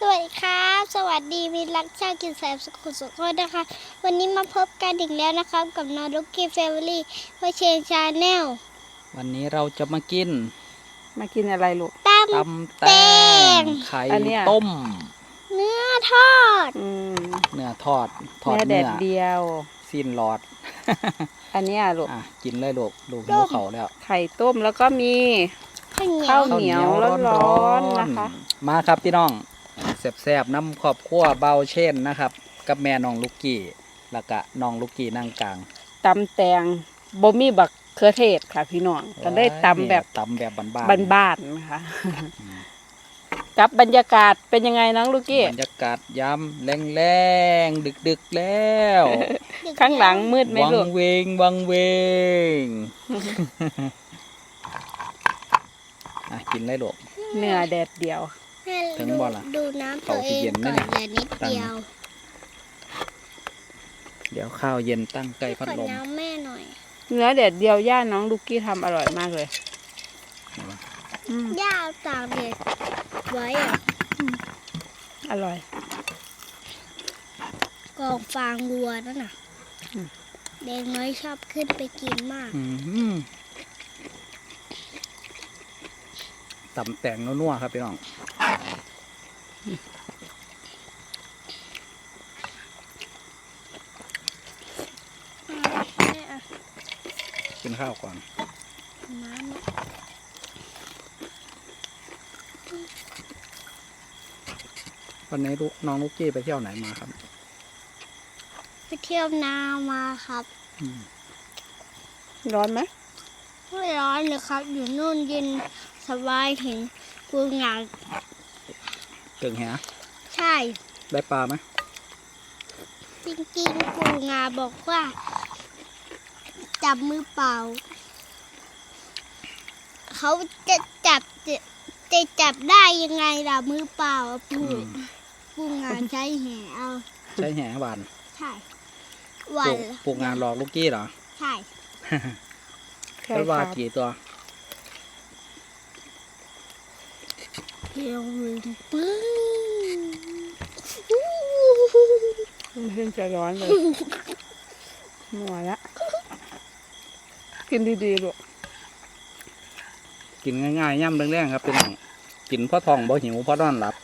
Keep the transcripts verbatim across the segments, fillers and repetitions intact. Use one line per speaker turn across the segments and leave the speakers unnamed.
สวัสดีครับสวัสดีมิตรรักชาติกินแสบสุขุสุขคนนะคะวันนี้มาพบกันอีกแล้วนะครับกับน้องลูกกี้แฟมิลี่เพื่อเชนชาแนล
วันนี้เราจะมากิน
มากินอะไรลูก
ต
ตำแตงไข่ต้ม
เนื้อทอด
อืม
เนื้อทอดทอด
เนื้อแด
เนื้อ
ดเดียว
สิ้นหลอด
อันนี้อ่ะลูก
อ่ะกินเลยลูกลูกหิวเขาแล้ว
ไข่ต้มแล้วก็มีข้าวเหนียวร้อนๆนะคะ
มาครับพี่น้องแซ่บๆน้ำขอบขั้วเบาเช่นนะครับกับแม่น้องลูกกี้แล้วก็น้องลูกกี้นั่งกลาง
ตำแตงบ่มีบักเขือเทศค่ะพี่น้องก็ได้ตำแบบ
ตำแบบบ้าน
ๆบ้านๆนะคะกับบรรยากาศเป็นยังไงน้องลูกกี้
บรรยากาศยามแรงๆดึกๆแล้ว
ข้างหลังมืดไหมลูก
วังเวงวังเวงอ่ะกินเลยลูก
เนื้อแดดเดียว
ถึงบ่ล่ะ
ดูน้ำตัวเองก่อนแต่นิดเดียว
เดี๋ยวข้าวเย็นตั้งใกล้พัดลม
น้ำแม่หน่อย
เนื้อแดดเดียวย่าน้องลูกกี้ทำอร่อยมากเลย
ย่าตากแดดไว้อ่ะ
อร่อย
กองฟางวัวนั่นน่ะเด็กน้อยชอบขึ้นไปกินมาก
ตำแตงนัวๆครับพี่น้องกินข้าวก่อนวันนี้ลูกน้องลูกกี้ไปเที่ยวไหนมาครับ
ไปเที่ยวนามาครับ
ร้อนไหม
ไม่ร้อนเลยครับอยู่นู่นเย็นสบายเห็นปูงา
เก่งแฮะ
ใช่
ได้ปลาไหม
จริงๆปูงาบอกว่าจับมือเปล่าเขาจะจับจะจะจับได้ยังไงล่ะมือเปล่าปูปูงาใช้แหเอา
ใช้แหหวาน
ใช่หวาน
ปูงาหลอกลูกกี้เหรอ
ใช่
แล้ววากี่ตัว
เพียงมือปึ้ง
มันเพิ่งจะร้อนเลยหัวละกินดีๆลูก
กินง่ายๆย่ำแรงๆครับเป็นกินเพราะท้องบ่หิวเพราะนอนหลับ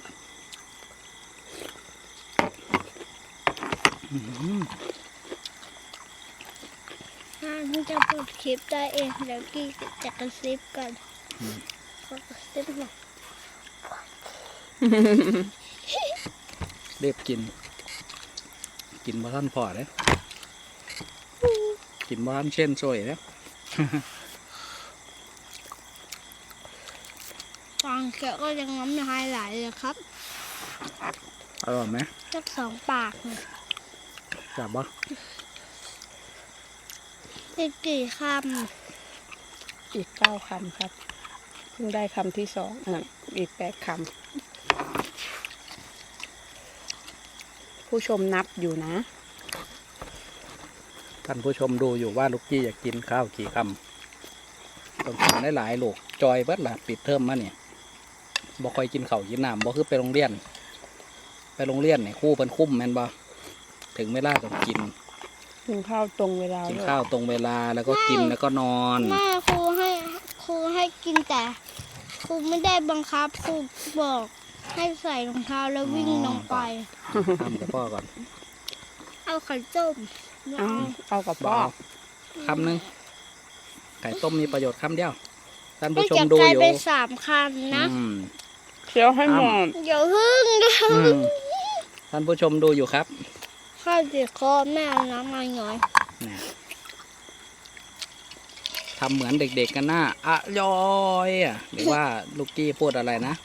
นี่จะเปิดคลิปได้เองแล้วกี้จะกระซิบกันกระซิบหน่อย
เรียบกินกินบ้านพอเลยกินบ้านเช่นซวยแล้ว
ฟังแกก็ยังน้ำลายไหลเลยครับ
อร่อยไหม
สักสองปากเลย
จับบ่
อีกกี่ค
ำอีกเก้าคำครับเพิ่งได้คำที่สองอ่ะอีกแปดคำผู้ชมนับอยู่นะ
ท่านผู้ชมดูอยู่ว่าลูกกี้อยากกินข้าวกี่คำต้องกินได้หลายลูกจอยเบิดละปิดเทอมมาเนี่ยบ่ค่อยกินข้าวกินน้ำบ่คือไปโรงเรียนไปโรงเรียนเนี่ยครูเป็นคุ้มแม่นบ่ถึงเวลาต้องกิน
กินข้าวตรงเวลา
กินข้าวตรงเวลาแล้วก็กินแล้วก็นอน
แม่ครูให้ครูให้กินแต่ครูไม่ได้บังคับครูบอกให้ใส่รองเท้าแล้ววิ่งลงไป
ทำกับพ่อก่อน
เอาไข่ต้ม
เอาเอากับพ่อ
คำหนึ่งไข่ต้มมีประโยชน์คำเดียวท่านผู้ชมดูอยู่
ไปสามคำนะ
เคี้ยวให้หมด
เดี๋ยวพึ่ง
ท่านผู้ชมดูอยู่ครับ
ข้าวติดคอแม่เอาน้ำมาหน่อย
ทำเหมือนเด็กๆกันหน้าอะยอยอ่ะหรือว่าลูกกี้พูดอะไรนะ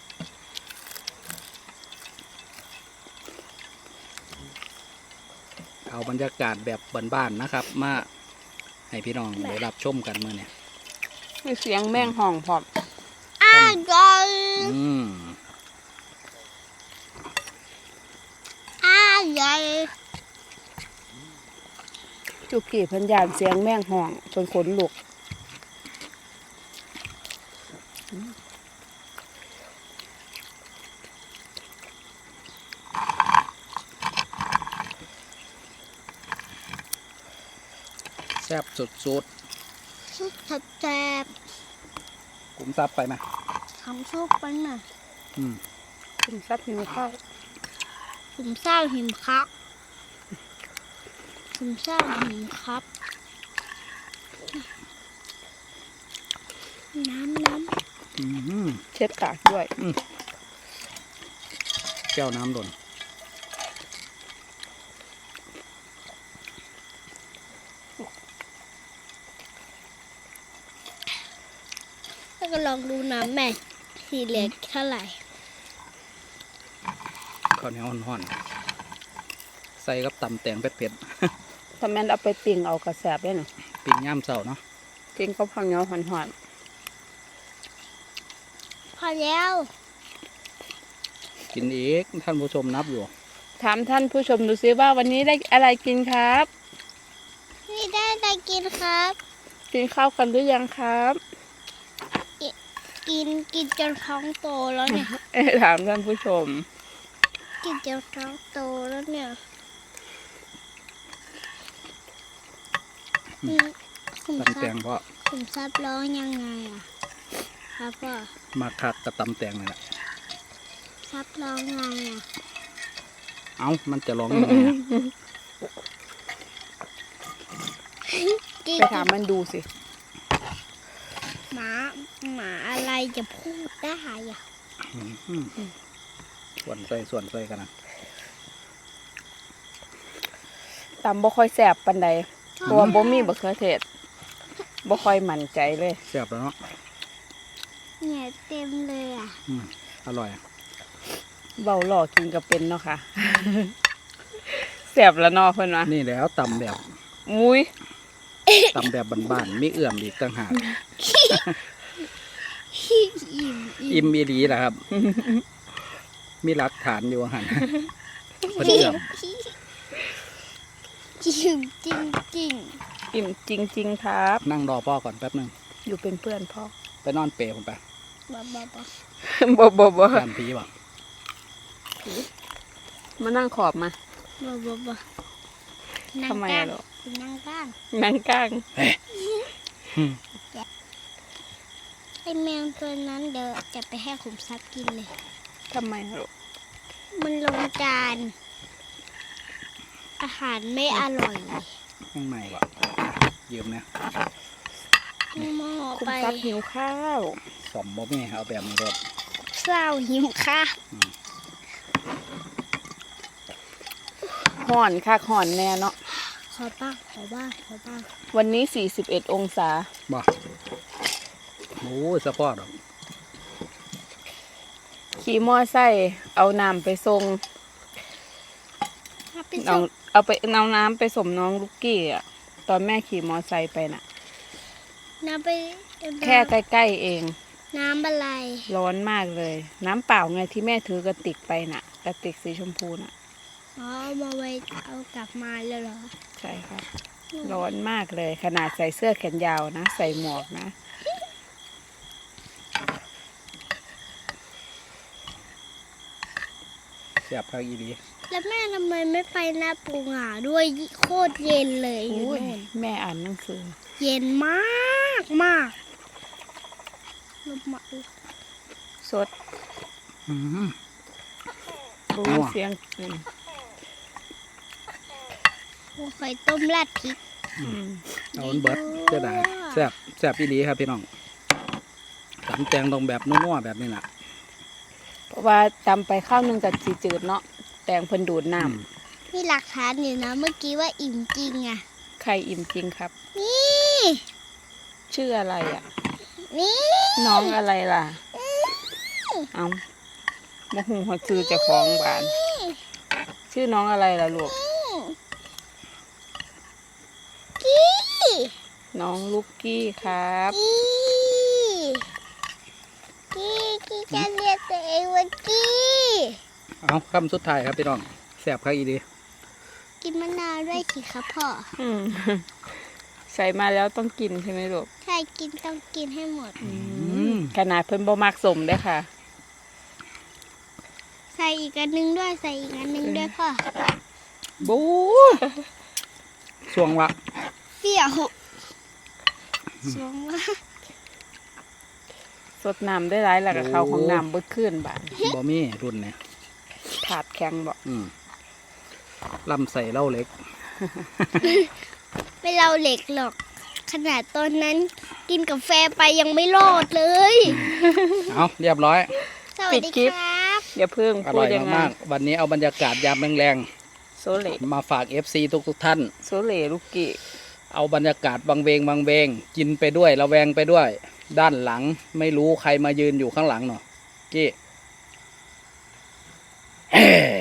เอาบรรยากาศแบบบ้านๆนะครับมาให้พี่น้องได้รับชมกันเมื่อเนี่ย
มีเสียงแม่งห่องพอด
อ้าวก็
อืม
อ้าวใหญ่
จุกี้พันยานเสียงแม่งห่องจนขนลุก
แซ่บสุด
ซุปแซ่บ
ๆกลุ่มซับไปไหม
ๆทำซุปไปหน่อย
อืม
กินซับหิวข้าว
ผมเศร้าหิมครับผมเศร้าหิมครับน้ำน้
อืม
เช็ดปากด้วย
แก้วน้ำหล่น
ำแล้วก็ลองดูน้ำแม่สีเหลืองเท่าไหร่
ข้าวเหนียวห่อนๆใส่กับตำแตงเผ็ด
ถ้าแม่นเอาไปปิ้งเอากระแสบได้หน่อย
ๆปิ้งย่ามเสาเนาะ
กินก็พังเหนียวหอน
พอแล้ว
กินอีกท่านผู้ชมนับอยู่
ๆถามท่านผู้ชมดูซิว่าวันนี้ได้อะไรกินครับ
นี่ได้ได้กินครับ
กินข้าวกันหรือยังครับ
กินกินจนท้องโตแล้วเนี่ย
เอ๊ะถามท่านผู้ชม
กินจนท้องโตแล้วเนี่ยอืมคุณ
ตำ
ซั
แต
บ
งเพราะ
คุณซับร้องยังไงอ่ะครับพ่อ
มาคักกับตำแตงนี่แหละ
ซับร้องไงอ่ะ
เอ้ามันจะร้องยังไงอะ
กิน
ไปถามมันดูสิ
หมาหมาอะไรจะพูดได้อ่ะ
อืมส่วนใส่ส่วนใส่กันนะ
ตำบ่ค่อยแสบปันใดเพราะว่าบ่มีบะเขือเทศบ่ค่อยมั่นใจเลย
แซ่บแล้วเนาะ
เนี่ยเต็มเลยอ่ะ
อืมอร่อย
เบาหล่อกินก็เป็นเนาะค่ะ แสบแล้วเนาะเพิ่นว่า
นี่แล้วตำแบบ
มุ้ย
ตำแบบบ้านๆมีเอื่อมอีกต่างหาก
อิ่ม
อิ่มอีดีแหละครับ มีหลักฐานอยู่หัน เพิ่นเอื่อม
อิ่มจริงจริง
อิ่มจริง ๆ ครับ
นั่งรอพ่อก่อนแป๊บหนึง
อยู่เป็นเพื่อนพ่อ
ไปนอนเปรย์ผมไป
บ้าบ้าบ้า
บ่บ่บ่
ย่านผีบ่
มานั่งขอบมา
บ้าบ้าบ้านั่ง
ทำไม
กลา
อะ
ง
ลูก
นั่งกลาง
นั่งกลาง
อืม
ไอแมวตัวนั้นเดี๋ยวจะไปให้ขุมทรัพย์กินเลย
ทำไมอะลูก
มันลงจาน อาหารไม่อร่อย
ข้างในบ่ยืมนะ
มอ
คุณ
ไป
ซับหิวข้าว
สมบ่แม่เอาแบบนี้รถ
เศร้าหิวค่ะ
ห่อนค่ะห่อนแน่เนาะ
ขอบ้างขอบ้างขอบ้าง
วันนี้สี่สิบเอ็ดองศา
บ่โอ้ยสะพอดอก
ขี่มอไซค์เอาน้ำไปส่ง
เอาไป
น้อ
ส่
ง
ง
เอาไปเอาน้ำไปสมน้องลูกกี้อ่ะ ตอนแม่ขี่มอไซค์ไปน่ะ
น้ำไป
แค่ใกล้ๆเอง
น้ำอะไร
ร้อนมากเลย น้ำเปล่าไงที่แม่ถือกระติกไปน่ะ กระติกสีชมพูน่ะ
อ๋อเอามาไว้เอากลับมาแล้วเหรอ
ใช่ครับ ร้อนมากเลย ขนาดใส่เสื้อแขนยาวนะ ใส่หมวกนะ
เสียบข้าวอีดี
แล้วแม่ทำไมไม่ไปหน้าปูหงาด้วยโคตรเย็นเลยอยู่
โอ้ย
นู่น
แม่อ่านหนังสือ
เย็นมากมากลมมา
สด
อืม
โอ้
นัว
เสียงอืม
โอ้ไข่ต้มราดพริก
อืม
เอาอันเบิดเสียดายแซ่บแซ่บอีดีครับพี่น้องตำแตงตรงแบบนัวๆแบบนี้น่ะ
เพราะว่าตำไปข้าวหนึงกับสีจืดเนาะแตงเพิ่นดูดน้
อืม
มีหลักฐานอยู่นะเมื่อกี้ว่าอิ่มจริงอ่ะ
ำไข่อิ่มจริงครับ
นี่
ชื่ออะไรอ่ะ
นี่
น้องอะไรล่ะ เอามาหูหัวชื่อเจะคล้าของบ้าน ชื่อน้องอะไรล่ะลูก
กี้
น้องลูกกี้ครับ
กี้กี้กี้จะเรียกตัวเองว่ากี้
เอาคำสุดท้ายครับพี่น้องแซ่บข้าวอีดี
กินมะนาวด้วยสิครับพ่อ
อืม ใส่มาแล้วต้องกินใช่ไหมลูก
ใช่กินต้องกินให้หมด
อืม
ขนาดเพิ่นบ่มักสมเด้อค่ะ
ใส่อีกอันนึงด้วยใส่อีกอันนึงด้วยพ่อ
บูช่วงละ
เปรี้ยวสวงมาก
สดน้ำได้หลายแล้วก็เข้าของน้ำเบิดขึ้นบาด
บ่มีรุ่นเนี่ย
ถาดแข็งบ่
อืมลำใส่เหล้าเล็ก
ไม่เราเหล็กหรอก ขนาดตอนนั้นกินกาแฟไปยังไม่รอดเลย
เอาเรียบร้อย
สวัสดีครับ
อย่าเพิ่ง
อ
พู
ร่
ด
อย
อยังไง
มากๆวันนี้เอาบรรยากาศยามแรง
โซเล่
ๆมาฝาก เอฟ ซี ทุกทุกๆท่าน
โซเล่ลูกกี้
เอาบรรยากาศบางเวงบางเวงกินไปด้วยระแวงไปด้วย ด้านหลังไม่รู้ใครมายืนอยู่ข้างหลังเนาะกี้ เฮ้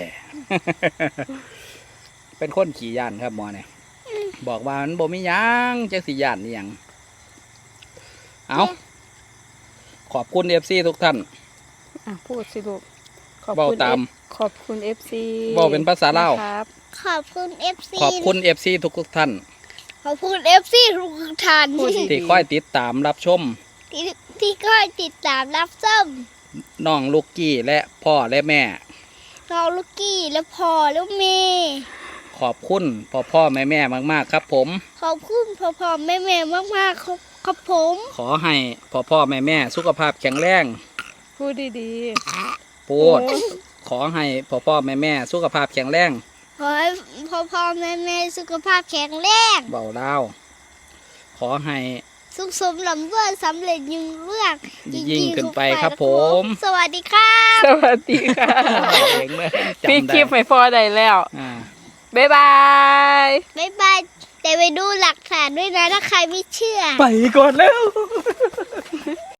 เป็นคนขี่ยานครับหมอเนี่ยบอกว่ามันบ่มีหยังจังสิยานนี่หยังเอาขอบคุณ เอฟ ซี ทุกท่าน
อ่ะพูดสิลูกขอบ
เว้า
คุณ
ตาม
F- ขอบคุณ เอฟ ซี
เว้าเป็นภาษาลาว
ครับ
ขอบคุณเอฟซี
ขอบคุณ เอฟ ซี ทุกทุกๆท่าน
ขอบคุณเอฟซีทุกท่าน
พูดดี
ที่คอยติดตามรับชม
ที่ที่คอยติดตามรับชม
น้องลูกกี้และพ่อและแม่
น้องลูกกี้และพ่อและแม่
ขอบคุณพ่อพ่อแม่แม่มากๆครับผม
ขอบคุณพ่อพ่อแม่แม่มากๆครับครับผม
ขอให้พ่อพ่อแม่แม่สุขภาพแข็งแรง
พูดดี
พูดขอให้พ่อพ่อแม่แม่สุขภาพแข็งแรง
ขอให้พ่อพ่อแม่แม่สุขภาพแข็งแรง
เบาเล่าวขอให้
สุขสมลำด้วยสำเร็จยิ่งเรื่อง
ยิ่งขึ้นไปครับผม
สวัสดีครับ
ๆ สวัสดีค่ะ
เองเลย
พี่
จำได้
คลิปไม่พอได้แล้ว
อ่า
บ๊ายบาย
บ๊ายบายแต่ไปดูหลักฐานด้วยนะถ้าใครไม่เชื่อ
ไปก่อนแล้ว